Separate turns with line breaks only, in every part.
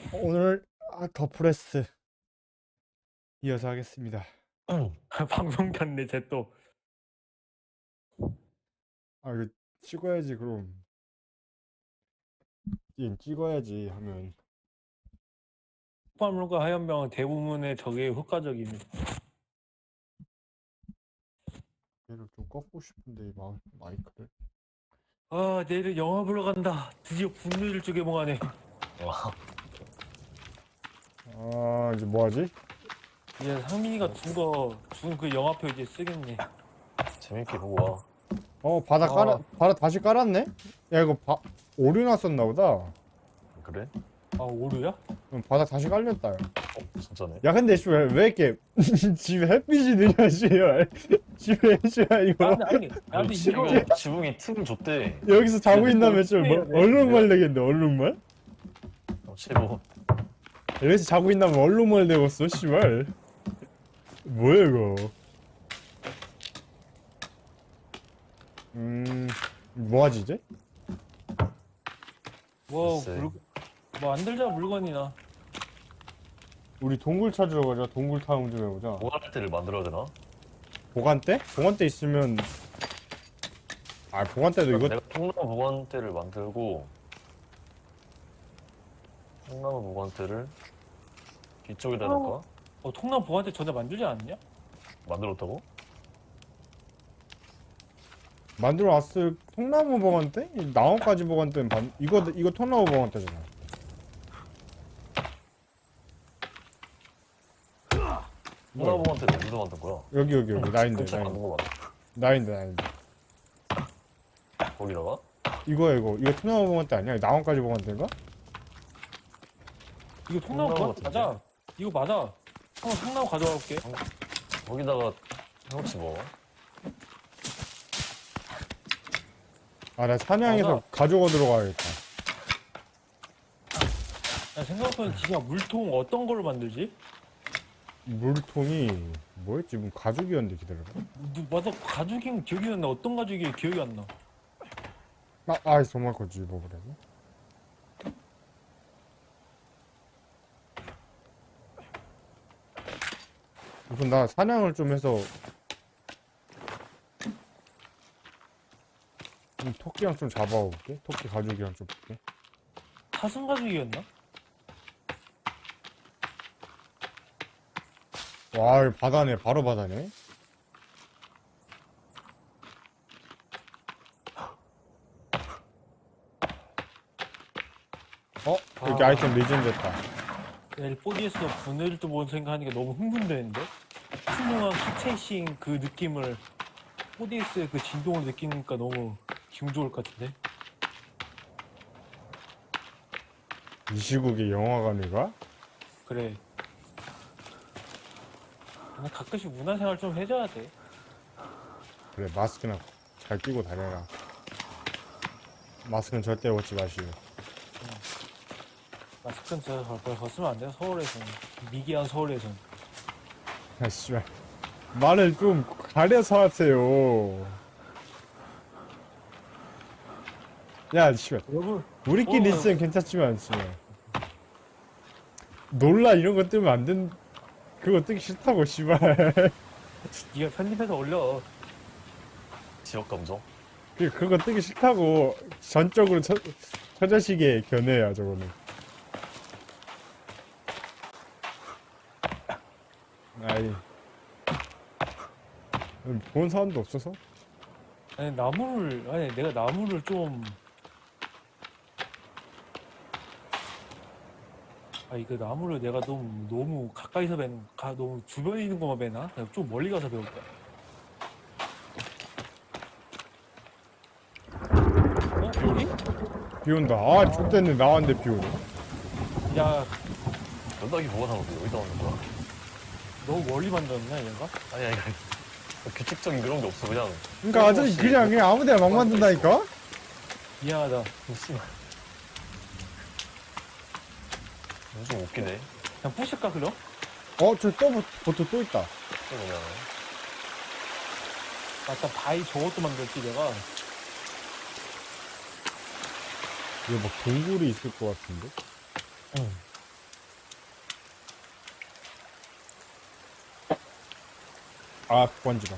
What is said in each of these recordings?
오늘 더 프레스 이어서 하겠습니다.
방송 켰네 쟤 또.
이거 찍어야지. 그럼 찍어야지 하면
폭발물과 하얀병은 대부분의 적에 효과적입니다.
얘를 좀 꺾고 싶은데 이 마이크를.
내일 영화 보러 간다. 드디어 분노를 쪼개봉하네.
이제 뭐하지?
이제 상민이가 준 그 영화표 이제 쓰겠네.
재밌게 보고 와.
바닥 다시 깔았네? 야 이거 오류 났었나 보다.
그래?
오류야?
바닥 다시 깔렸다.
진짜네.
야 근데 왜 이렇게 집에 햇빛이 느려 씨발. 집에 씨발 이거
아니
지붕이 틈 줬대.
여기서 자고 있나면 좀 얼룩말 되겠네. 얼룩말?
제법.
여기서 자고 있나면 얼룩말 되겠어 씨발. 뭐야 이거. 뭐하지 이제?
뭐
글쎄.
만들자 물건이나.
우리 동굴 찾으러 가자. 동굴 탐험 좀 해보자.
보관대를 만들어야 되나?
보관대? 보관대 있으면 보관대도 이거
내가 통나무 보관대를 만들고 통나무 보관대를 뒤쪽에다 놓을까?
통남 보한테 전에 만들지 않았냐?
만들었다고?
만들어 왔을. 통나무 보관대? 나뭇가지 보관대는 이거 통나무 보관대잖아.
통나무 보관대를 어디서 만든 거야?
여기 나인데
근처에 만든 거 맞아?
나인데
거기다가?
이거 통나무 보관대 아니야? 나뭇가지 보관대인가?
이거 통나무
통나무
보한테
같은데?
맞아. 이거 맞아. 한번 통나무 가져와 볼게.
거기다가 혹시 뭐?
나 사냥해서 가져가 들어가야겠다.
생각해보면 지금 물통 어떤 걸로 만들지?
물통이 뭐였지? 뭐 가죽이었는데 기다려봐.
맞아, 가죽인 기억이 안 나. 어떤 가죽이 기억이 안 나.
정말 거지 입어보라고? 우선 나 사냥을 좀 해서 토끼랑 좀 잡아올게. 토끼 가죽이랑 좀 볼게.
사슴 가죽이었나?
와, 여기 바다네. 바로 바다네. 여기 아이템 리젠됐다.
내일 4D에서 분해를 또 본 생각하니까 너무 흥분되는데? 투명한 키체싱 그 느낌을 4DS의 그 진동을 느끼니까 너무 기분 좋을 것 같은데?
이 시국에 영화관을 가?
그래. 나 가끔씩 문화생활 좀 해줘야 돼.
그래, 마스크나 잘 끼고 다녀라. 마스크는 절대 벗지 마시오.
마스크는 제가 벗으면 안 돼요, 서울에서는. 미개한 서울에서는.
씨발. 말을 좀 가려서 하세요. 야, 씨발.
여러분,
우리끼리 있으면 괜찮지만, 씨발. 놀라 이런 거 뜨면 안 된, 그거 뜨기 싫다고, 씨발.
네가 편집해서 올려.
지역 감정?
그거 뜨기 싫다고. 전적으로 처자식의 견해야, 저거는. 본 사람도 없어서?
아니, 내가 나무를 좀. 이거 나무를 내가 너무 가까이서 너무 주변에 있는 것만 베나? 내가 좀 멀리 가서 배울까? 여기?
비 온다. X됐네. 나왔는데 비 오네.
야,
연락이 뭐가 나오는데 여기다 오는 거야?
너무 멀리 만들었나, 얘가?
아니 규칙적인 그런 게 없어 그냥.
그니까 아저씨 그냥 아무 데나 막 만든다니까?
미안하다.
씨발. 좀 웃기네.
그냥 부실까, 그럼?
저 보트 또 있다.
또 그냥
맞다, 바위 저것도 만들었지, 내가.
이거 막 동굴이 있을 것 같은데? 아, 번지다.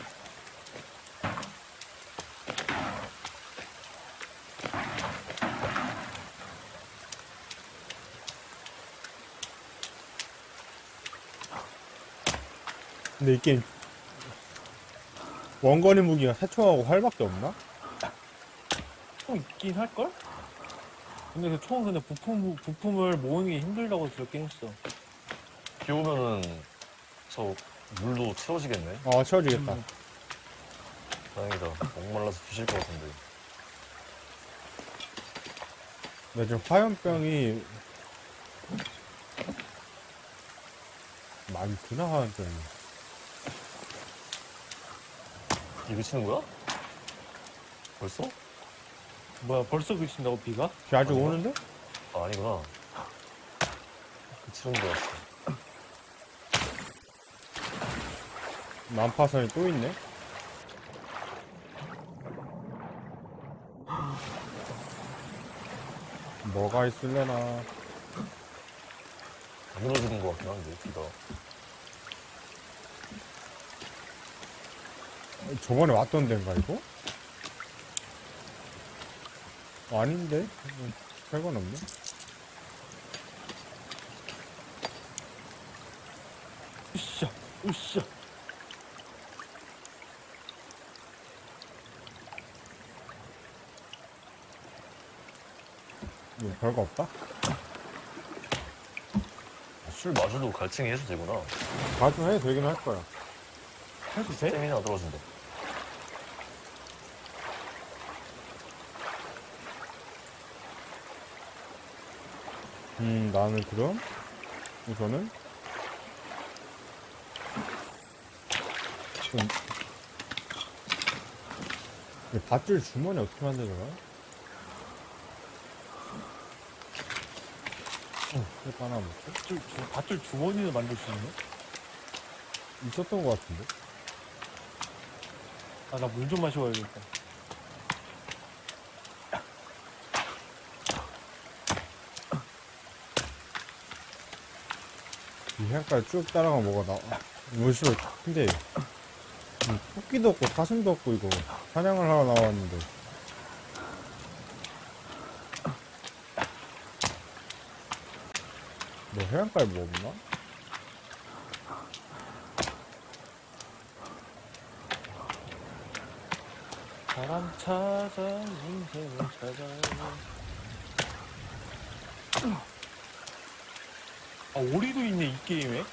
근데 이 게임 원거리 무기가 새총하고 활밖에 없나?
총 있긴 할걸? 근데 그 총은 근데 부품을 모으는 게 힘들다고 들었긴 했어.
비 오면은 저 물도 채워지겠네.
어, 채워주겠다.
다행이다. 목말라서 뒤질 것 같은데.
근데 지금 화염병이 많구나, 화염병이.
이거 치는 거야? 벌써?
뭐야 벌써 그친다고 비가?
비 아직
아니야?
오는데?
아, 아니구나. 치는 거였어.
난파선이 또 있네? 뭐가 있을래나.
안 늘어지는 것 같긴 한데, 비가.
저번에 왔던 데인가, 이거? 아닌데? 별건 없네.
으쌰 으쌰.
뭐 별거 없다?
술 마셔도 갈증이 해소되구나.
자주 해도 되긴 할 거야.
할 수 돼?
스태미나 떨어진다.
나는 그럼 우선은 좀 이 밧줄 주머니 어떻게 만들더라? 이거 하나 먹고
밧줄 주머니를 만들 수 있네?
있었던 것 같은데.
아 나 물 좀 마시고 와야겠다.
이 해안가를 쭉 따라가 뭐가 나와. 무엇이로 근데 토끼도 없고 사슴도 없고 이거 사냥을 하러 나왔는데 뭐 해안가에 뭐 없나?
사람 찾아 인생을 찾아. 아 오리도 있네 이 게임에.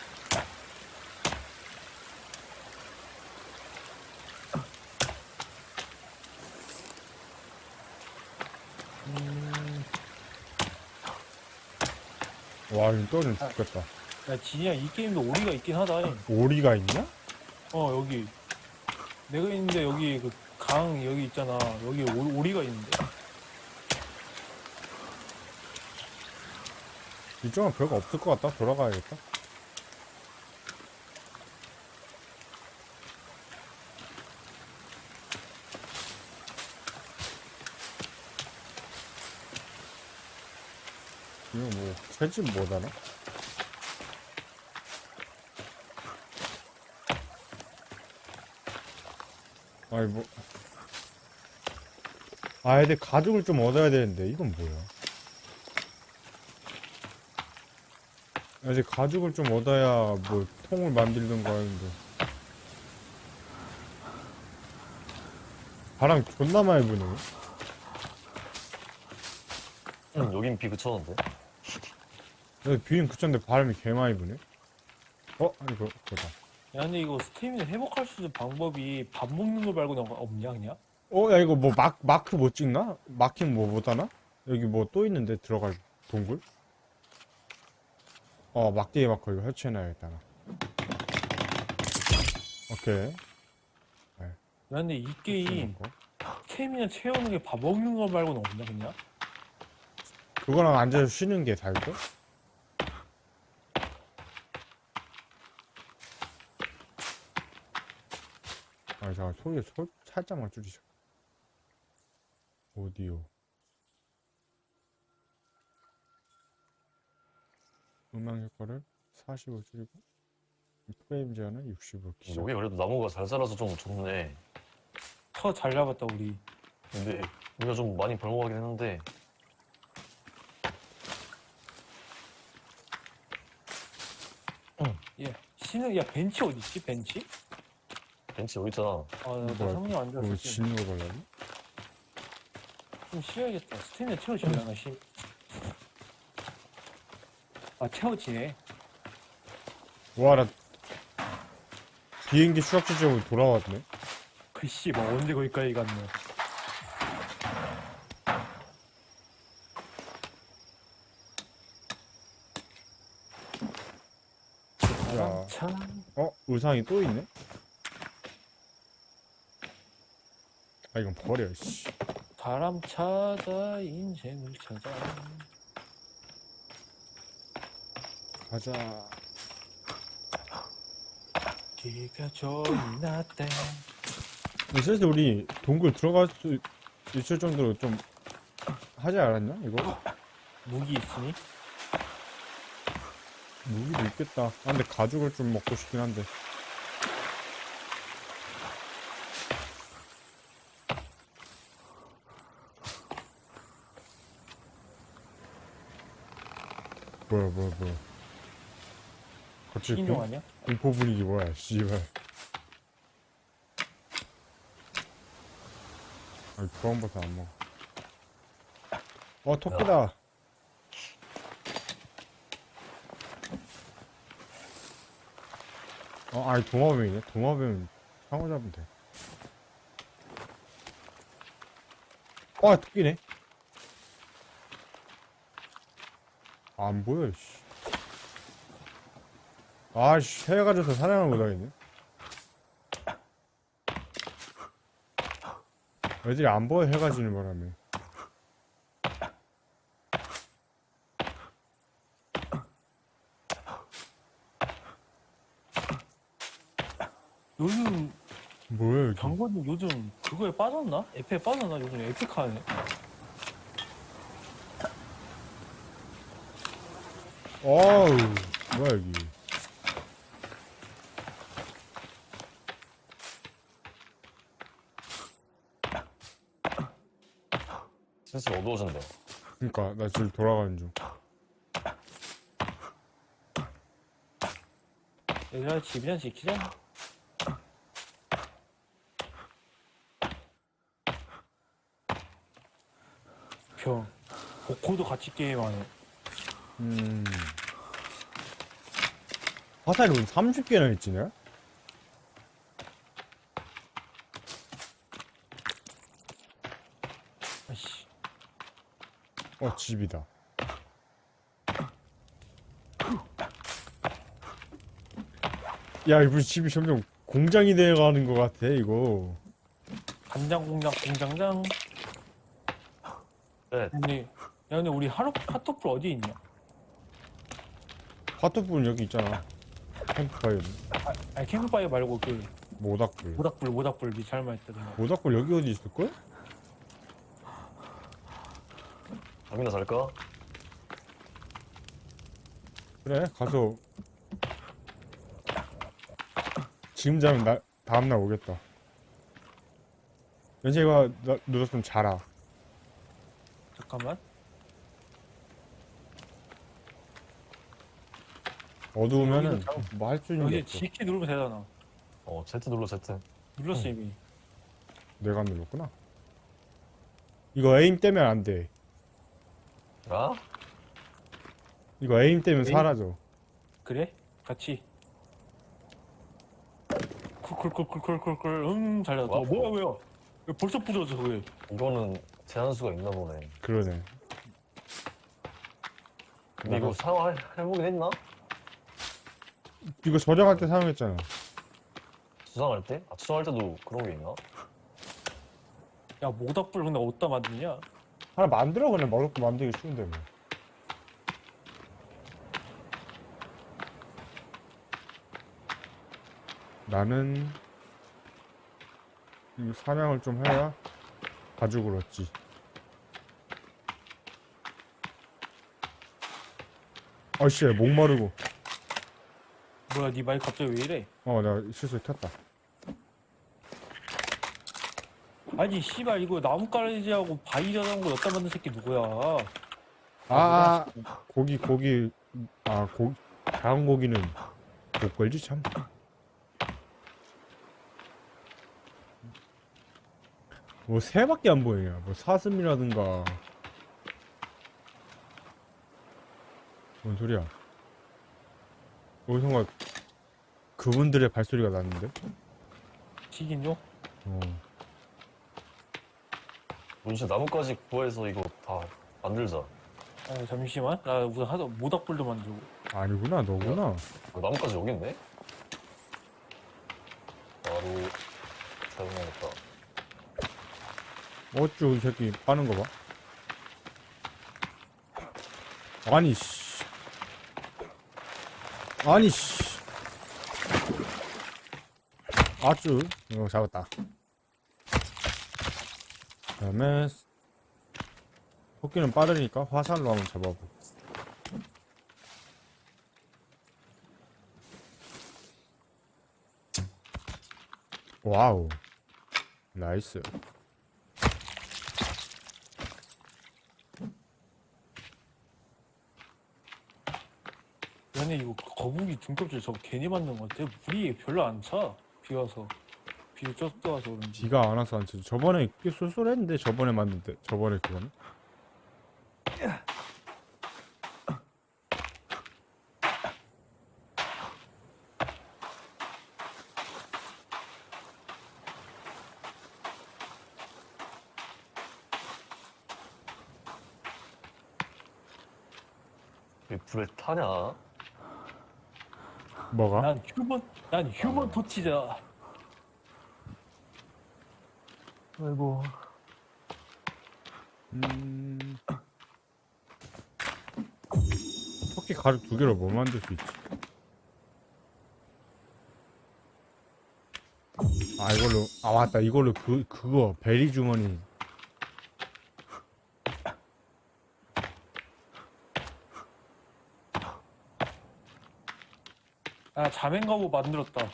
와 이거 떨어지면 죽겠다.
야 진이야 이 게임도 오리가 있긴 하다.
오리가 있냐?
어 여기 내가 있는데 여기 그 강 여기 있잖아. 여기 오리가 있는데.
이쪽은 별거 없을 것 같다. 돌아가야겠다. 이거 뭐 채집 못하나? 아니 뭐 아 근데 가죽을 좀 얻어야 되는데 이건 뭐야? 이제 가죽을 좀 얻어야 뭐 통을 만들든가 하는데 바람 존나 많이 부네.
여긴 비 그쳤는데.
여기 비는 그쳤는데 바람이 개 많이 부네. 어? 아니 그거다.
야 근데 이거 스태미나 회복할 수 있는 방법이 밥 먹는 거 말고는 없냐 그냥?
어? 야 이거 뭐 마크 못 찍나? 마킹 뭐 못하나? 여기 뭐 또 있는데 들어갈 동굴? 어 막대기 마커 이거 해체해놔야겠다 나. 오케이.
야 근데 이 게임
거.
스태미나 채우는 게 밥 먹는 거 말고는 없냐 그냥?
그거랑 앉아서 쉬는 게 다일걸? 아 잠깐 소리 살짝만 줄이자. 오디오 음악 효과를 45 줄이고 프레임 제한은 65 기자.
여기 그래도 나무가 잘 자라서 좀 좋네.
더 잘 잡았다 우리.
근데 우리가 좀 많이 벌목하긴 했는데
예. 신은 야 벤치 어디 있지? 벤치?
벤치 여기 있잖아.
아나
뭐야,
성령 안
그거
들었어.
지는 거 발라고?
좀 쉬어야겠다. 스태미나 채워지려나 씨. 아 채워지네.
와, 나 비행기 추락 지점으로 돌아왔네.
글씨 뭐 언제 거기까지 갔네.
야,
참.
의상이 또 있네? 아, 이건 버려, 씨.
사람 찾아 인생을 찾아.
가자.
기가 저리 났대.
근데 슬슬 우리 동굴 들어갈 수 있을 정도로 좀 하지 않았냐, 이거?
무기 있으니?
무기도 있겠다. 아, 근데 가죽을 좀 먹고 싶긴 한데. 뭐야. 갑자기
식인종 아니야?
공포 분위기 뭐야, 씨발. 아니, 주황버섯 안 먹어. 토끼다. 아니, 도마뱀이네. 도마뱀 상어 잡으면 돼. 토끼네. 안 보여, 씨. 아씨, 해가 져서 사냥을 못하겠네. 애들이 안 보여, 해가 지는 바람에.
요즘
뭐야, 여기.
병건이 요즘 그거에 빠졌나? 에페에 빠졌나? 요즘 에픽하네.
어우, 뭐야, 여기.
슬슬 어두워진다.
그니까, 나 지금 돌아가는 중.
얘들아 집이나 지키자. 병. 복호도 같이 게임하네.
화살이 무슨 30개나 있지, 냐
아씨.
집이다. 야, 이거 집이 점점 공장이 되어가는 것 같아, 이거.
간장 공장 공장장.
네.
근데 우리 핫도플 어디 있냐?
핫도그는 여기 있잖아. 캠프파이어.
아니 캠프파이어 말고 그
모닥불.
모닥불 니 잘못 했다.
모닥불 여기 어디 있을걸?
잠이나 잘까?
그래, 가서. 지금 자면 다음날 오겠다. 연재가 늦었으면 자라.
잠깐만.
어두우면은 뭐 할 수 있는 게
여기
없어.
G키 누르면 되잖아.
Z 눌러 Z.
눌렀어 이미.
내가 눌렀구나. 이거 에임 떼면 안 돼.
아?
이거 에임 떼면
에임?
사라져.
그래? 같이. 쿨쿨쿨쿨쿨쿨 잘 잡았다.
와.
뭐야? 왜 벌써 부서져 그게?
이거는 제한수가 있나 보네.
그러네.
근데 이거 사용해보긴 했나?
이거 저장할 때 사용했잖아.
수상할 때? 수상할 때도 그런 게 있나?
야 모닥불 근데 어디다 만드냐?
하나 만들어, 그냥 먹고 만들기 쉬운데 뭐. 나는 이 사냥을 좀 해야 가죽을 얻지. 아씨, 목마르고.
뭐야, 니 마이크 갑자기 왜 이래?
내가 실수로 켰다.
아니, 씨발, 이거 나뭇가지하고 바위 자전거 넣다 만든 새끼 누구야?
고기, 작은 고기는 못 걸지, 참. 뭐, 새밖에 안 보이냐. 뭐, 사슴이라든가. 뭔 소리야. 어디선가 그분들의 발소리가 났는데?
튀긴요?
어.
문신 나뭇가지 구해서 이거 다 만들자.
아, 잠시만. 나 우선 모닥불도 만들고.
아니구나, 너구나.
나뭇가지 여기 있네? 바로 사용해야겠다.
어쭈, 이 새끼 빠는 거 봐. 아니, 씨. 아니, 씨. 아쭈. 잡았다. 그 다음에, 토끼는 빠르니까 화살로 한번 잡아보고. 와우. 나이스.
얘네 이거 거북이 등껍질 저거 괜히 만든 것 같아. 물이 별로 안 차. 비 와서. 비를 쩍 떠와서 그런지.
비가 안 와서 안 치지. 저번에 꽤 쏠쏠했는데, 저번에 만든 때. 저번에 그거는.
왜 불에 타냐?
뭐가?
난 휴먼 토치자.
아이고.
토끼 가루 2개로 뭐 만들 수 있지? 이걸로, 맞다. 이걸로 그거, 베리 주머니.
아, 자맹가보 만들었다.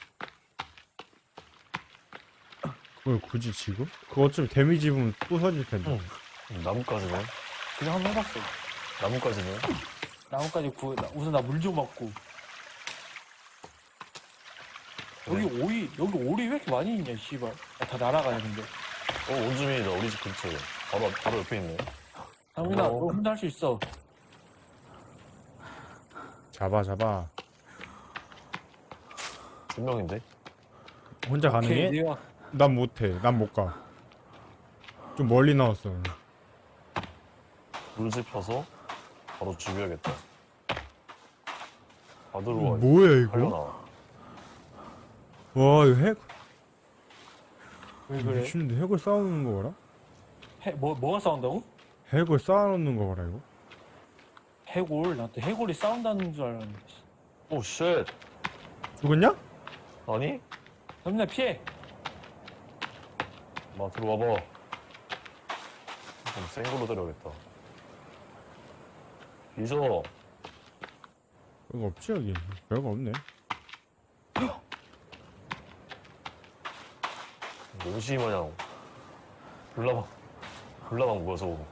그걸 굳이 지금? 그거 어차피 데미지 입으면 부서질 텐데.
나뭇가지네.
그냥 한번 해봤어.
나뭇가지네.
나뭇가지 우선 나 물 좀 맞고. 여기 오리 왜 이렇게 많이 있냐, 씨발. 다 날아가야 근데.
원주민이다. 우리 집 근처에. 바로 옆에 있네.
상민아, 너
고마워.
혼자 할 수 있어.
잡아.
몇 명인데?
혼자 가능해?
오케이, 내가
난 못해. 난 못 가. 좀 멀리 나왔어.
물집 펴서 바로 죽여야겠다. 받으러 와.
뭐야, 이거?
하려나.
와, 이거 핵?
왜 그래?
미친데 핵을 쌓아놓는 거 봐라?
뭐가 싸운다고?
핵을 쌓아놓는 거 봐라, 이거?
해골? 나한테 해골이 싸운다는 줄 알았는데.
오, 쉣.
죽었냐?
아니?
상민아, 피해!
들어와봐. 좀 센 걸로 때려야겠다. 잊어.
별거 없지, 여기. 별거 없네.
용시 마냥 불나방 뭐야 저거.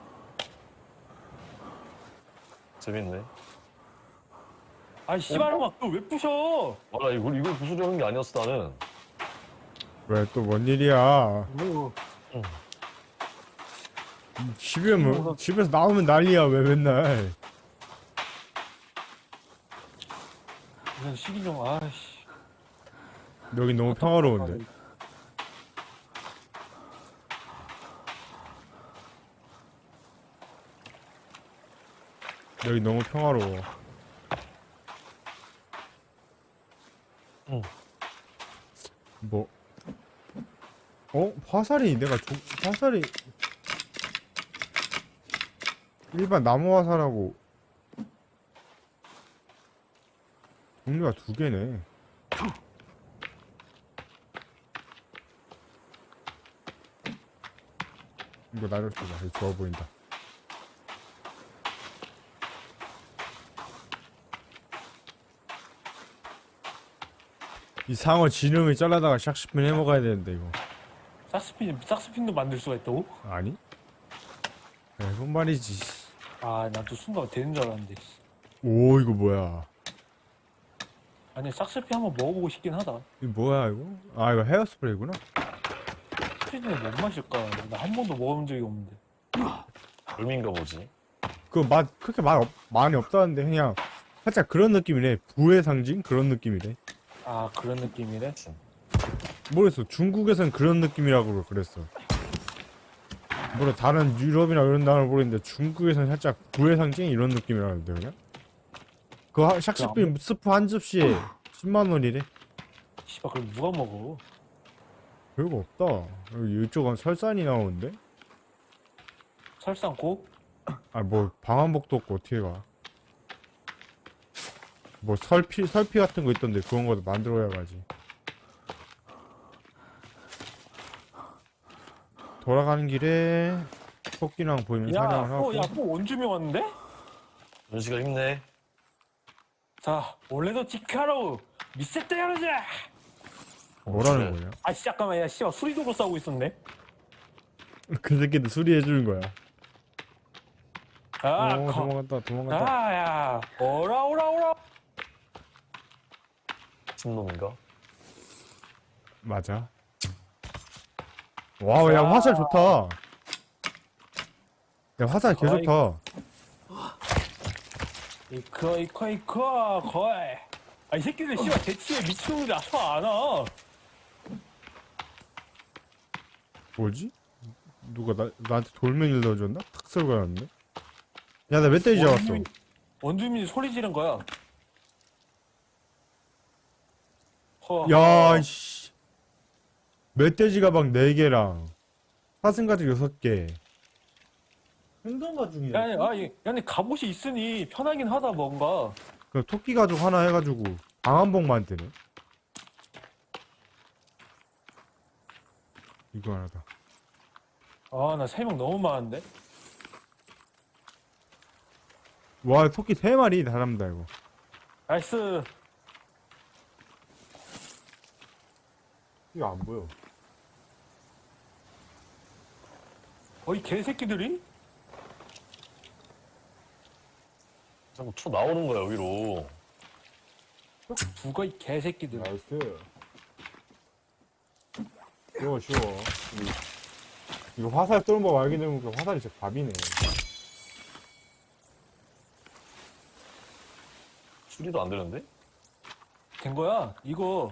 재밌네.
아이, 씨발놈아, 그걸 왜 부셔!
맞아, 이걸 부수려는 게 아니었어 나는.
왜 또 뭔 일이야?
뭐,
집에서 나오면 난리야, 왜 맨날.
무슨 식인종, 아이씨.
여기 너무 평화로운데. 여기 너무 평화로워.
응.
뭐? 화살이 화살이 일반 나무 화살하고 종류가 2개네. 이거 나를 쏘자. 이거 좋아 보인다. 이 상어 지름을 잘라다가 샥스핀 해먹어야 되는데 이거.
삭스핀도 만들 수가 있다고?
아니? 네, 그건 말이지.
아, 난 또 순간 되는 줄 알았는데.
오 이거 뭐야?
아니, 삭스핀 한번 먹어보고 싶긴 하다.
이거 뭐야 이거? 아 이거 헤어스프레이구나.
삭스핀을 못 마실까? 나 한 번도 먹어본 적이 없는데.
의미인가 보지.
그 맛 그렇게 많이 없다는데 그냥 살짝 그런 느낌이래. 부의 상징 그런 느낌이래.
아, 그런 느낌이래?
모르겠어. 중국에선 그런 느낌이라고 그랬어. 뭐래 다른 유럽이나 이런 나라를 모르겠는데 중국에선 살짝 부의 상징 이런 느낌이라는데 그냥. 그 샥스핀 스프 한 접시에 10만 원이래.
씨발, 그럼 누가 먹어?
별거 없다. 여기 이쪽은 설산이 나오는데?
설상고?
아 뭐 방한복도 없고 어떻게 가? 뭐 설피 같은 거 있던데 그런 거도 만들어야 가지. 돌아가는 길에 토끼랑 보이면 사냥을 하고.
또 원주민 왔는데?
연시가 힘내.
자, 원래도 지카로 미세트 야르자!
뭐라는
그래.
거냐?
아, 잠깐만, 야, 씨발, 수리도로 싸우고 있었네?
그 새끼도 수리해주는 거야.
아,
오 도망갔다.
아, 야, 오라.
침놈인가?
맞아. 와우 야 화살 좋다. 야 화살 개 좋다.
이커, 거이. 아, 이 새끼들, 씨발, 대치에 미친놈들이 안 와.
뭐지? 누가 나한테 돌멩이를 넣어줬나? 탁 소리가 났네. 야 나 멧돼지 잡았어.
원주민이 소리 지른 거야.
야 씨. 멧돼지 가방 4개랑 사슴 가죽 6개. 행동 가죽이야.
야, 근데 갑옷이 있으니 편하긴 하다, 뭔가.
그 토끼 가죽 하나 해가지고 방한복만 뜨네. 이거 하나다.
아, 나 3명 너무 많은데?
와 토끼 3마리 다 잡는다 이거.
나이스.
이거 안 보여.
이 개새끼들이?
자꾸 쳐 나오는 거야 위로.
누가 이 개새끼들.
나이스. 쉬워. 이거 화살 쏘는 법 알게 되면 그 화살이 진짜 밥이네.
수리도 안 되는데?
된 거야. 이거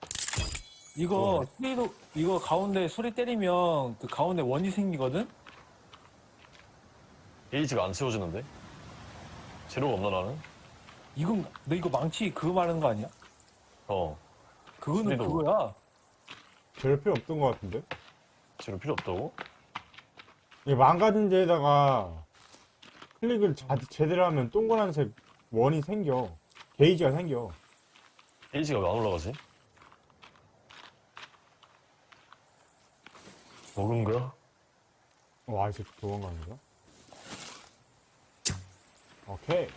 수리도, 이거 가운데 수리 때리면 그 가운데 원이 생기거든?
게이지가 안 채워지는데? 재료가 없나 나는?
너 이거 망치 그거 말하는 거 아니야? 그거는
수리도.
그거야.
별 필요 없던 것 같은데?
재료 필요 없다고?
이 망가진 데에다가 클릭을 제대로 하면 동그란색 원이 생겨. 게이지가 생겨.
게이지가 왜 안 올라가지? 먹은가?
와, 이제 도망가는 거야? 오케이.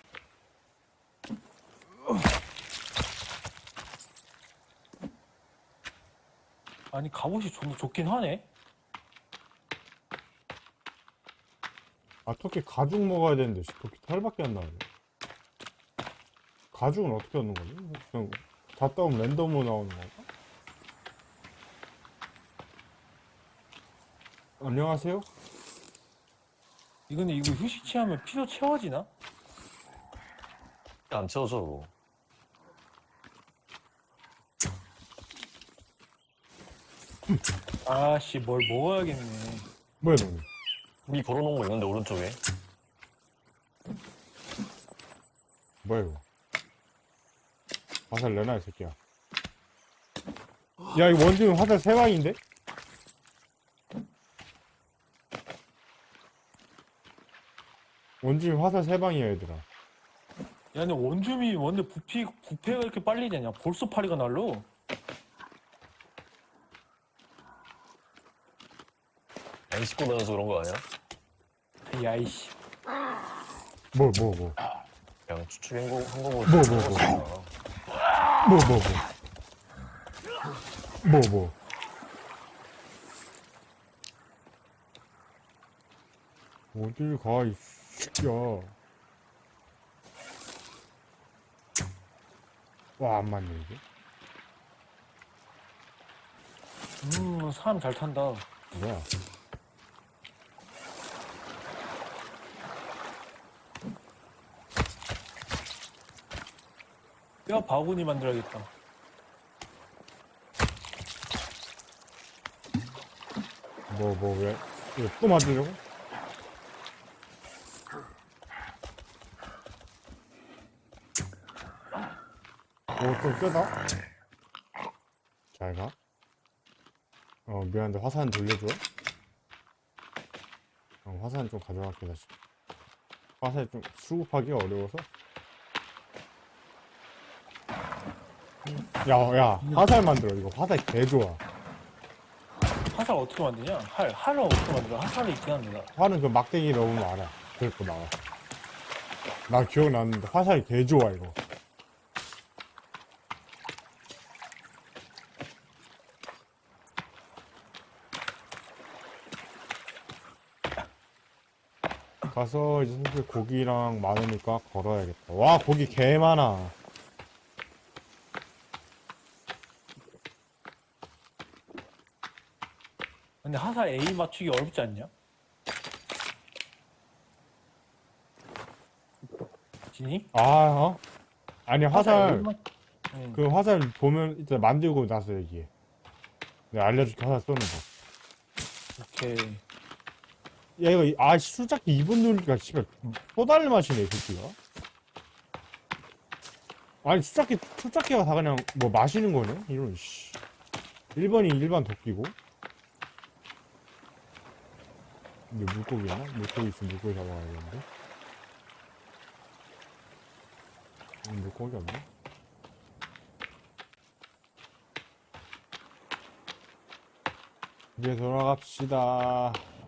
아니, 갑옷이 좀 좋긴 하네.
아, 토끼 가죽 먹어야 되는데, 토끼 털밖에 안 나오네. 가죽은 어떻게 얻는 거지? 그냥 다 따오면 랜덤으로 나오는 건가? 안녕하세요?
이거 휴식 취하면 피로 채워지나?
안 채워져 그거.
아씨, 뭘 먹어야겠네.
뭐야, 너는?
미 걸어놓은 거 있는데 오른쪽에.
뭐야, 이거? 화살 내놔, 이 새끼야. 야, 이거 원주민 화살 3방인데? 원주민 화살 3방이야, 얘들아.
야, 근데 원주민이 원래 부패가 이렇게 빨리 되냐? 벌써 파리가 날로?
안 씻고 다녀서 그런 거 아니야?
야이씨.
뭐.
그냥 추측한 거고.
뭐. 뭐. 어딜 가, 이 새끼야. 와, 안 맞네, 이게.
사람 잘 탄다.
뭐야.
뼈 바구니 만들어야겠다.
왜? 이거 또 맞으려고? 좀 세다? 잘 가. 미안한데 화산 돌려줘. 화산 좀 가져갈게, 다시. 화산이 좀 수급하기가 어려워서. 야, 화살 만들어. 이거 화살 개 좋아.
화살 어떻게 만드냐? 활을 어떻게 만들어? 화살이 있긴 한데 나.
화는 그 막대기 넣으면 알아. 그럴 거 나와. 나 기억나는데 화살이 개 좋아, 이거. 가서 이제 사실 고기랑 많으니까 걸어야겠다. 와, 고기 개 많아.
근데 화살 A 맞추기 어렵지 않냐? 지니?
아니,
A
화살,
응.
그 화살 보면 이제 만들고 나서 얘기해. 내가 알려줄게, 화살 쏘는 거.
오케이.
야, 이거, 수작기 2분 누르니까, 씨발, 또다리 맛이네, 이 새끼가. 아니, 수작기가 다 그냥, 뭐, 마시는 거네? 이런, 씨. 1번이 일반 도끼고. 이게 물고기야? 물고기 있으면 물고기 잡아가야겠는데? 물고기 없네? 이제 돌아갑시다.